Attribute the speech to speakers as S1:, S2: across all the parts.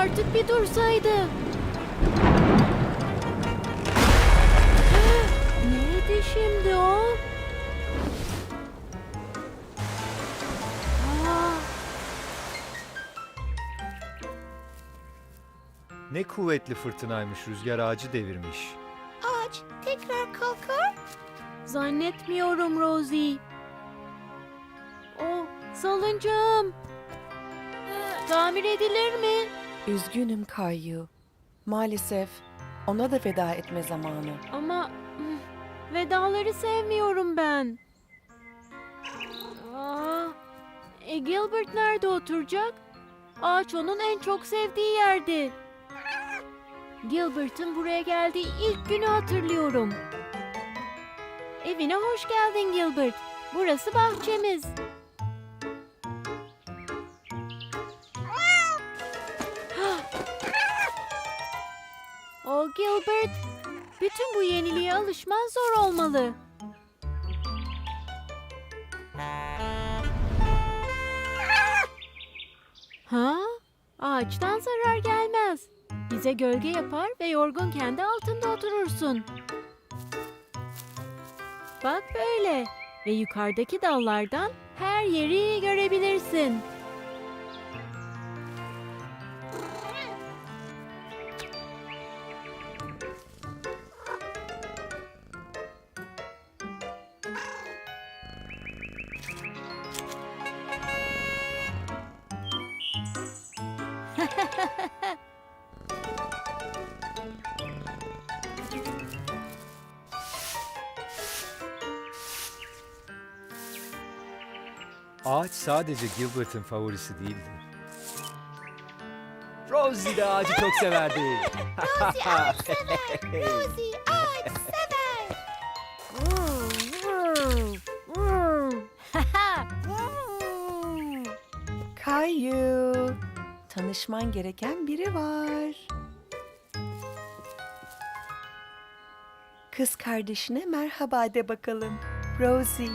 S1: artık bir dursaydı. Neydi şimdi o? Aa,
S2: Ne kuvvetli fırtınaymış, rüzgar ağacı devirmiş.
S3: Ağaç tekrar kalkar.
S1: zannetmiyorum Rosie. O salıncağım. Tamir edilir mi?
S4: Üzgünüm Kayu. Maalesef ona da veda etme zamanı.
S1: Ama vedaları sevmiyorum ben. Aa, Gilbert nerede oturacak? Ağaç onun en çok sevdiği yerdi. Gilbert'ın buraya geldiği ilk günü hatırlıyorum. Evine hoş geldin Gilbert. Burası bahçemiz. Oh Gilbert, bütün bu yeniliğe alışman zor olmalı. Ha? Ağaçtan zarar gelmez. Bize gölge yapar ve yorgun kendi altında oturursun. Bak böyle ve yukarıdaki dallardan her yeri görebilirsin.
S2: Ağaç sadece Gilbert'ın favorisi değildi. Rosie de ağacı çok severdi.
S3: Rosie ağaç sever. Rosie ağaç sever.
S4: Kayu, tanışman gereken biri var. Kız kardeşine merhaba de bakalım. Rosie.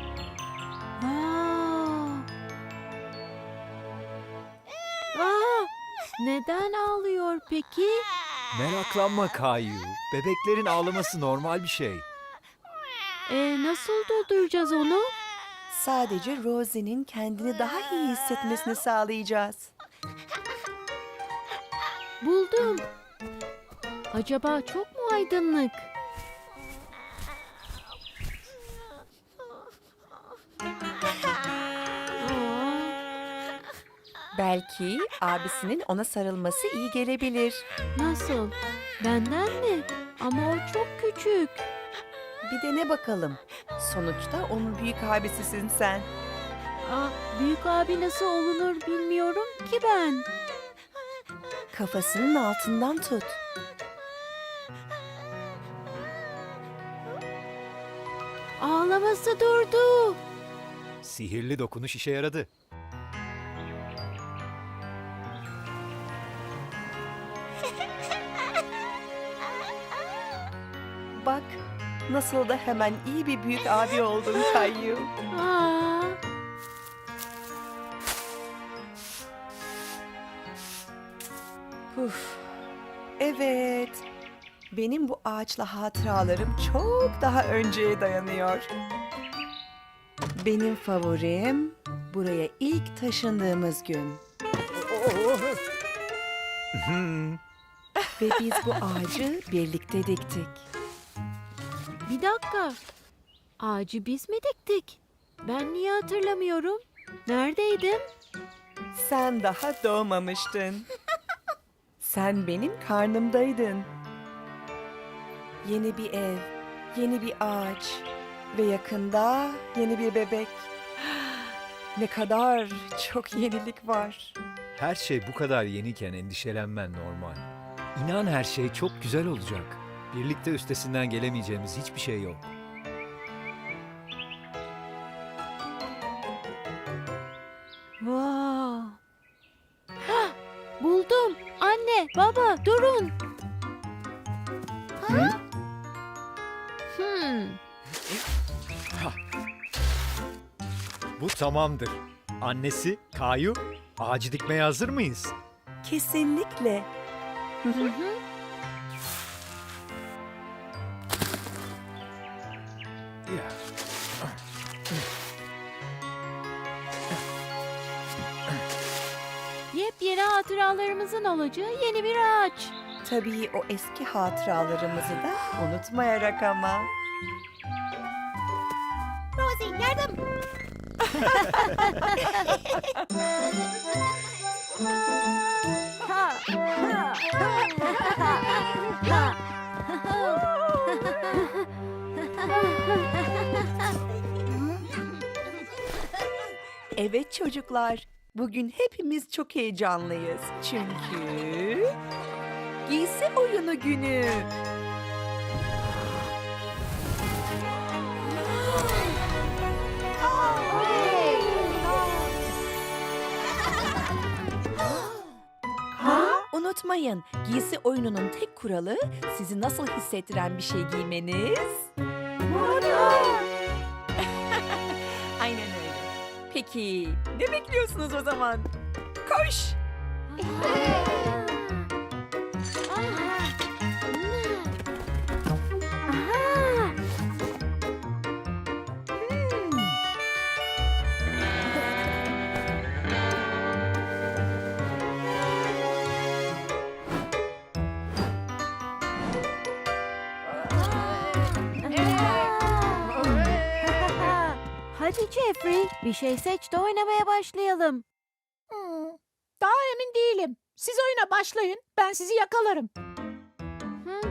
S1: Aa, neden ağlıyor peki?
S2: Meraklanma Kayu. Bebeklerin ağlaması normal bir şey.
S1: Nasıl durduracağız onu?
S4: Sadece Rosie'nin kendini daha iyi hissetmesini sağlayacağız.
S1: Buldum. Acaba çok mu aydınlık? Aa,
S4: Belki abisinin ona sarılması iyi gelebilir.
S1: nasıl? Benden mi? Ama o çok küçük.
S4: Bir dene bakalım. Sonuçta onun büyük abisisin sen.
S1: Büyük abi nasıl olunur bilmiyorum ki ben.
S4: Kafasının altından tut.
S1: Ağlaması durdu.
S2: Sihirli dokunuş işe yaradı.
S4: Bak, nasıl da hemen iyi bir büyük abi oldun Kayu.
S1: Aa,
S4: Uf. Evet. Benim bu ağaçla hatıralarım çok daha önceye dayanıyor. Benim favorim buraya ilk taşındığımız gün. Ve biz bu ağacı birlikte diktik.
S1: bir dakika. Ağacı biz mi diktik? Ben niye hatırlamıyorum? Neredeydim?
S4: Sen daha doğmamıştın. Sen benim karnımdaydın. Yeni bir ev, yeni bir ağaç ve yakında yeni bir bebek. Ne kadar çok yenilik var.
S2: Her şey bu kadar yeniyken endişelenmen normal. İnan her şey çok güzel olacak. Birlikte üstesinden gelemeyeceğimiz hiçbir şey yok.
S1: Wow. Hah, buldum. Anne, baba, durun.
S2: Hı? Bu tamamdır. Annesi, Kayu, ağacı dikmeye hazır mıyız?
S4: Kesinlikle.
S1: Hı hı. Yepyeni hatıralarımızın olacağı yeni bir ağaç.
S4: Tabii o eski hatıralarımızı da unutmayarak ama.
S3: Rosie yardım.
S4: Evet çocuklar, bugün hepimiz çok heyecanlıyız. Çünkü giysi oyunu günü. Unutmayın, giysi oyununun tek kuralı sizi nasıl hissettiren bir şey giymeniz. Aynen öyle. Peki, ne bekliyorsunuz o zaman? Koş!
S1: Hadi Jeffrey, bir şey seç de oynamaya başlayalım.
S5: Daha emin değilim. Siz oyuna başlayın. Ben sizi yakalarım.
S1: Hı?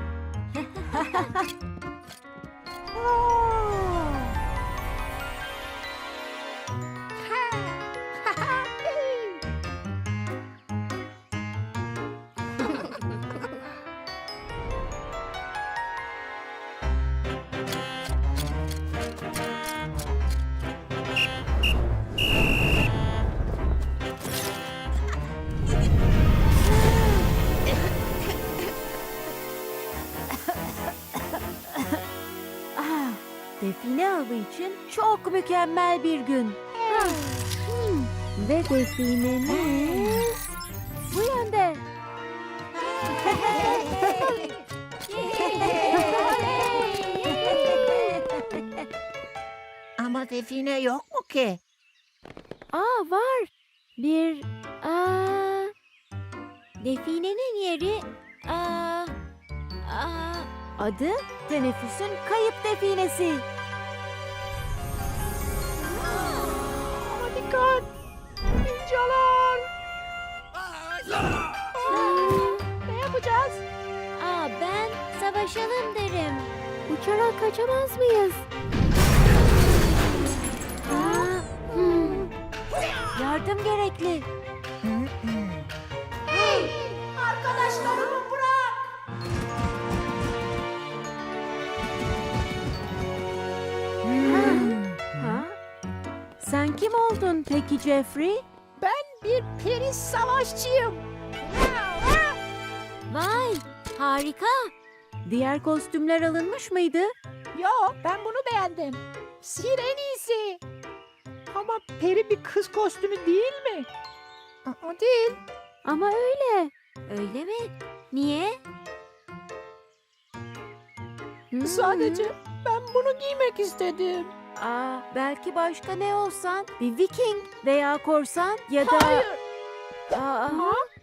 S1: Ah, define avı için çok mükemmel bir gün. Ve definemiz bu yönde.
S3: Ama define yok mu ki?
S1: Aa var. Definenin yeri adı teneffüsün kayıp definesi.
S5: Ama dikkat! Ninjalar! Ne yapacağız?
S1: Ben savaşalım derim. Uçarak kaçamaz mıyız? Yardım gerekli.
S5: Arkadaşlarımı bırak!
S1: Ha? Sen kim oldun peki Jeffrey?
S5: Ben bir peri savaşçıyım.
S1: Vay, harika. Diğer kostümler alınmış mıydı?
S5: Yo, ben bunu beğendim. Sihir en iyisi. Ama peri bir kız kostümü değil mi? O değil.
S1: Ama öyle. Öyle mi? Niye?
S5: Sadece ben bunu giymek istedim.
S1: Belki başka ne olsan? Bir Viking veya korsan ya da...
S5: Hayır.
S1: Aa,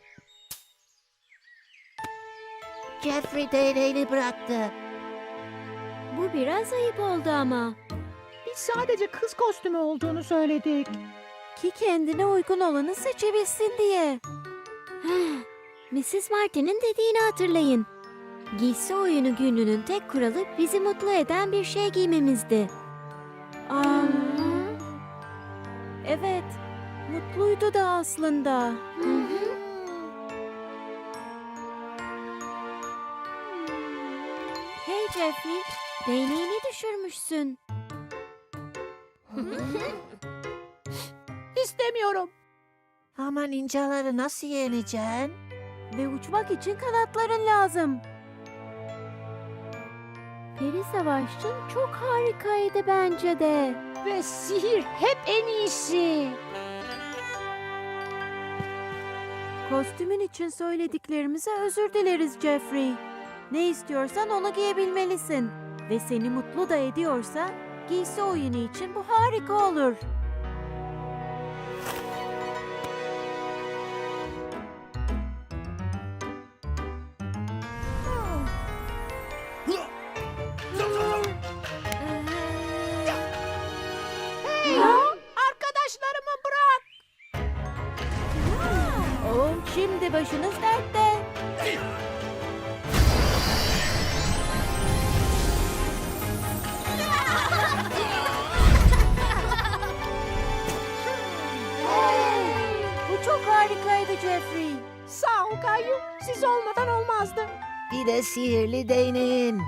S3: Jeffrey değneğini bıraktı.
S1: bu biraz ayıp oldu ama.
S5: Biz sadece kız kostümü olduğunu söyledik.
S1: Ki kendine uygun olanı seçebilsin diye. Mrs. Martin'in dediğini hatırlayın. Giysi oyunu gününün tek kuralı bizi mutlu eden bir şey giymemizdi. Evet, mutluydu da aslında. Hey Jeffrey, değneğini düşürmüşsün.
S5: İstemiyorum.
S3: Ama ninjaları nasıl yeneceksin?
S1: Ve uçmak için kanatların lazım. Peri savaşçın çok harikaydı bence de.
S5: Ve sihir hep en iyisi.
S1: Kostümün için söylediklerimize özür dileriz Jeffrey. Ne istiyorsan onu giyebilmelisin. Ve seni mutlu da ediyorsa giysi oyunu için bu harika olur.
S5: Arkadaşlarımı bırak.
S1: Oh, şimdi başınız dertte. Bu çok harikaydı Jeffrey.
S5: Sağ ol Kayu. Siz olmadan olmazdı.
S3: Bir de sihirli değneğin.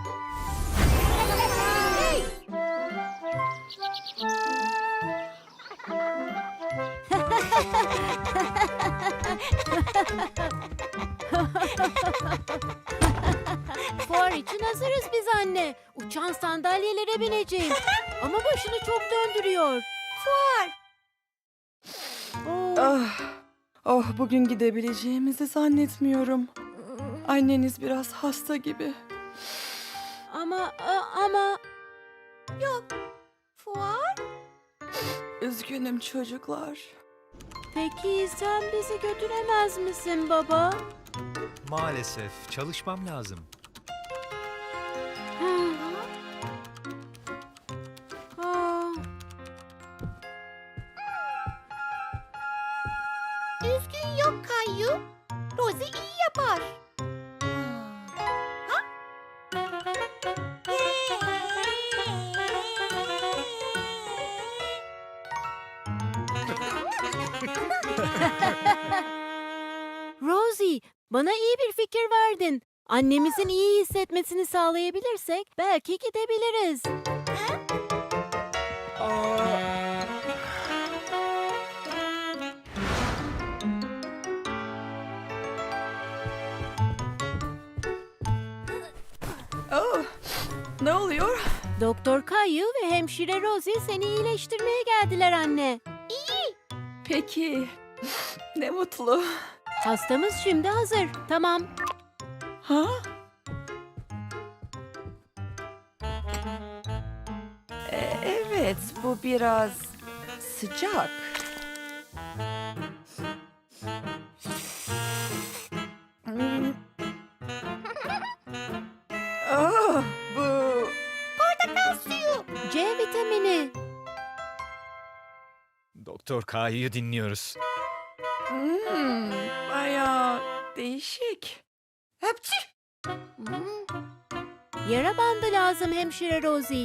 S1: Fuar için hazırız biz anne. Uçan sandalyelere bineceğiz. Ama başını çok döndürüyor. Fuar. Oh.
S4: Ah, oh bugün gidebileceğimizi zannetmiyorum. Anneniz biraz hasta gibi.
S1: Ama
S3: Fuar?
S4: Üzgünüm çocuklar.
S1: peki sen bizi götüremez misin baba?
S2: Maalesef çalışmam lazım.
S1: Ah.
S3: Üzgün yok Kayu. Rosie iyi yapar.
S1: Rosie, bana iyi bir fikir verdin. Annemizin iyi hissetmesini sağlayabilirsek belki gidebiliriz.
S4: Oh, ne oluyor?
S1: Doktor Kayu ve hemşire Rosie seni iyileştirmeye geldiler anne.
S4: Peki, ne mutlu.
S1: Hastamız şimdi hazır. Tamam.
S4: Ha? Evet, bu biraz sıcak. Hmm. Ah, bu
S1: C vitamini.
S2: Doktor K'yı dinliyoruz.
S4: bayağı değişik. Hepsi.
S1: Yara bandı lazım hemşire Rosie.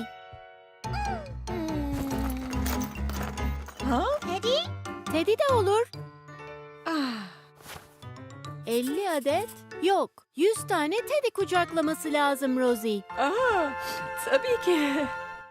S4: Ha?
S1: Teddy de olur.
S4: Ah,
S1: 50 adet. Yok. 100 tane Teddy kucaklaması lazım Rosie.
S4: tabii ki.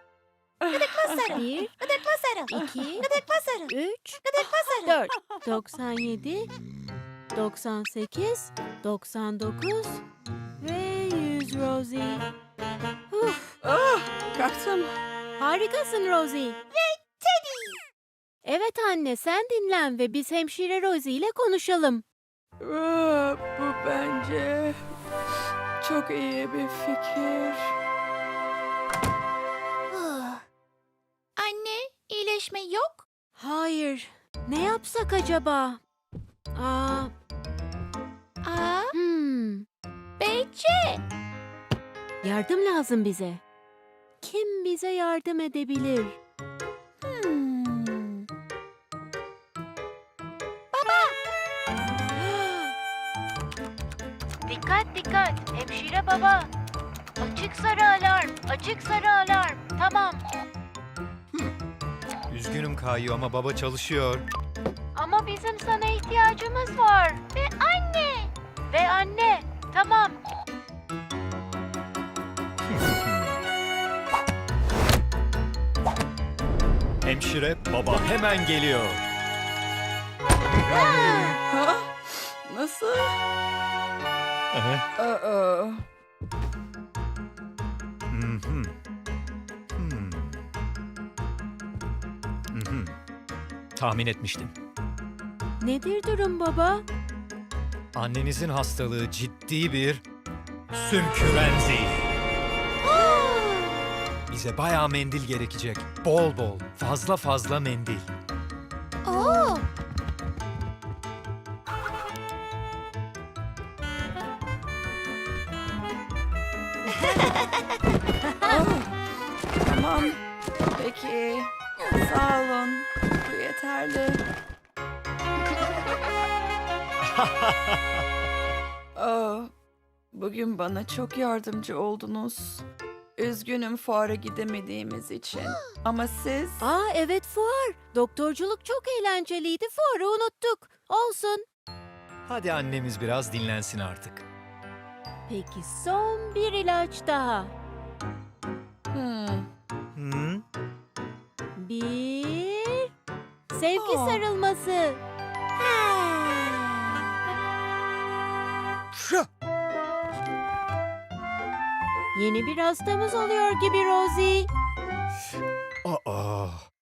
S1: 1, 2, 3, 4, 97, 98, 99 ve 100 Rosie. Uf,
S4: Kalktım.
S1: harikasın Rosie. Ve Teddy. Evet anne sen dinlen ve biz hemşire Rosie ile konuşalım.
S4: Bu bence çok iyi bir fikir.
S3: Anne, iyileşme yok.
S1: Hayır. Ne yapsak acaba?
S3: Aa,
S1: Hmm.
S3: Beyce.
S1: Yardım lazım bize. Kim bize yardım edebilir? Dikkat dikkat hemşire baba. Açık sarı alarm, açık sarı alarm. Tamam.
S2: Üzgünüm K'yı ama baba çalışıyor.
S1: Ama bizim sana ihtiyacımız var. Ve anne. Ve anne. Tamam.
S2: Hemşire baba hemen geliyor.
S4: Ha? Nasıl?
S2: Aha.
S4: Aa,
S2: Mhm. Mhm. Tahmin etmiştim.
S1: Nedir durum baba?
S2: Annenizin hastalığı ciddi bir sümkürenzi. Bize bayağı mendil gerekecek. Bol bol, fazla fazla mendil.
S3: Oo,
S4: Tamam. Peki. Sağ olun. Bu yeterli. Bugün bana çok yardımcı oldunuz. Üzgünüm fuara gidemediğimiz için. Ama siz...
S1: Aa evet fuar. Doktorculuk çok eğlenceliydi. Fuarı unuttuk. Olsun.
S2: Hadi annemiz biraz dinlensin artık.
S1: Peki son bir ilaç daha.
S4: Hmm.
S2: Hı?
S1: Bir... Sevgi
S4: Aa.
S1: sarılması. Yeni bir hastamız oluyor gibi Rosie.
S2: Aa,